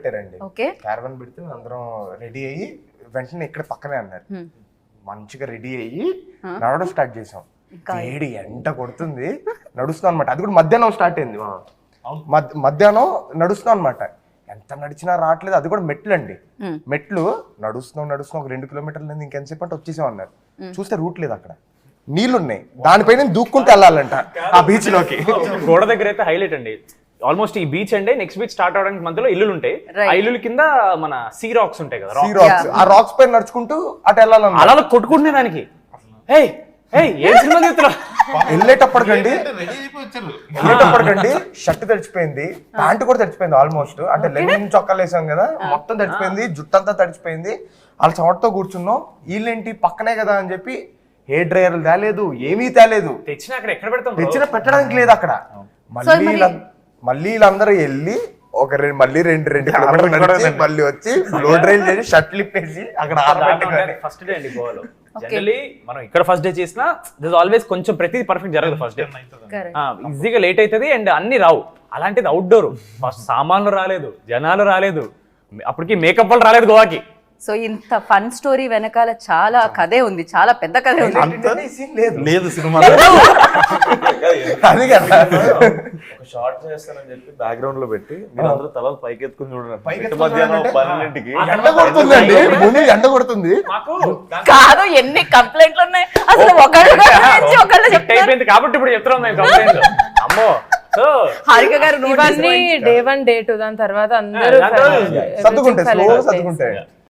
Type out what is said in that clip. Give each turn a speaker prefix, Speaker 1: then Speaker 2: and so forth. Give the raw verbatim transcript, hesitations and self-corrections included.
Speaker 1: పెట్టారండి. క్యారవన్ పెడితే అందరం రెడీ అయ్యి వెంటనే ఇక్కడ పక్కనే అన్నారు. మంచిగా రెడీ అయ్యి నడవడం స్టార్ట్ చేసాం. వేడి ఎండ కొడుతుంది, నడుస్తాం అనమాట. అది కూడా మధ్యాహ్నం స్టార్ట్ అయింది. మధ్యాహ్నం నడుస్తాం అనమాట. ఎంత నడిచినా రావట్లేదు. అది కూడా మెట్లు అండి. మెట్లు నడుస్తున్నాం నడుస్తున్నాం ఒక రెండు కిలోమీటర్లు ఇంకెంతసేపు అంటే వచ్చేసాం అన్నారు. చూస్తే రూట్ లేదు, అక్కడ నీళ్లు ఉన్నాయి, దానిపైన దూక్కుంటూ వెళ్ళాలంట ఆ బీచ్ లోకి.
Speaker 2: గోడ దగ్గర అయితే హైలైట్ అండి. ఆల్మోస్ట్ ఈ బీచ్ అండి, నెక్స్ట్ బీచ్ స్టార్ట్ అవడానికి మధ్యలో ఇల్లులు ఉంటాయి. ఆ ఇల్లు కింద మన సీ రాక్స్ ఉంటాయి కదా,
Speaker 1: సీ రాక్స్. ఆ రాక్స్ పైన నడుచుకుంటూ అటు వెళ్ళాలన్న
Speaker 2: అలా కొట్టుకుంటున్నా దానికి.
Speaker 1: వెళ్ళేటప్పటికండి వెళ్ళేటప్పటికండి షర్ట్ తడిచిపోయింది, ప్యాంట్ కూడా తడిచిపోయింది ఆల్మోస్ట్. అంటే లెనిన్ చొక్కాలు వేసాం కదా, మొత్తం తడిచిపోయింది, జుట్టంతా తడిచిపోయింది. వాళ్ళ చోటతో కూర్చున్నాం. వీళ్ళేంటి పక్కనే కదా అని చెప్పి హెయిర్ డ్రైయర్లు తేలేదు, ఏమీ తేలేదు.
Speaker 2: తెచ్చిన అక్కడ ఎక్కడ పెడతాం,
Speaker 1: తెచ్చిన పెట్టడానికి లేదు అక్కడ. మళ్ళీ మళ్ళీ వీళ్ళందరూ వెళ్ళి ఒక రెండు మళ్ళీ రెండు రెండు కిలోమీటర్లు మళ్ళీ వచ్చి బ్లో డ్రైల్ చేసి షర్ట్లు ఇప్పేసి అక్కడ
Speaker 2: ఫస్ట్ డే అండి గోవాలో. జనరలీ మనం ఇక్కడ ఫస్ట్ డే చేసినా దిస్ ఆల్వేస్ కొంచెం ప్రతిదీ పర్ఫెక్ట్ జరగదు ఫస్ట్ డే. ఈజీగా లేట్ అవుతుంది అండ్ అన్ని రావు. అలాంటిది అవుట్డోర్. ఫస్ట్ సామాన్లు రాలేదు, జనాలు రాలేదు, అప్పటికి మేకప్ వాళ్ళు రాలేదు గోవాకి.
Speaker 3: సో ఇంత ఫన్ స్టోరీ వెనకాల చాలా కథే ఉంది, చాలా పెద్ద కథే ఉంది.
Speaker 4: లేదు సినిమా
Speaker 1: అది కదా,
Speaker 4: ఒక షార్ట్ చేస్తానని చెప్పి బ్యాక్గ్రౌండ్ లో పెట్టి మీరు అందరూ తలలు పైకెత్తుకుని చూడండి. మధ్యాహ్నం పన్నెండింటికి
Speaker 1: ఎండ కొడుతుందండి, భూమి ఎండ కొడుతుంది.
Speaker 3: కాదు, ఎన్ని కంప్లైంట్లు ఉన్నాయి అసలు. ఒకళ్ళు
Speaker 2: అయిపోయింది కాబట్టి ఇప్పుడు చెప్తున్నాం మేము కంప్లైంట్. అమ్మో,
Speaker 3: హారిక గారు
Speaker 5: ఇవన్నీ డే వన్ డే టూ దాని తర్వాత అందరూ
Speaker 1: సర్దుకుంటాయి, సర్దుకుంటాయి.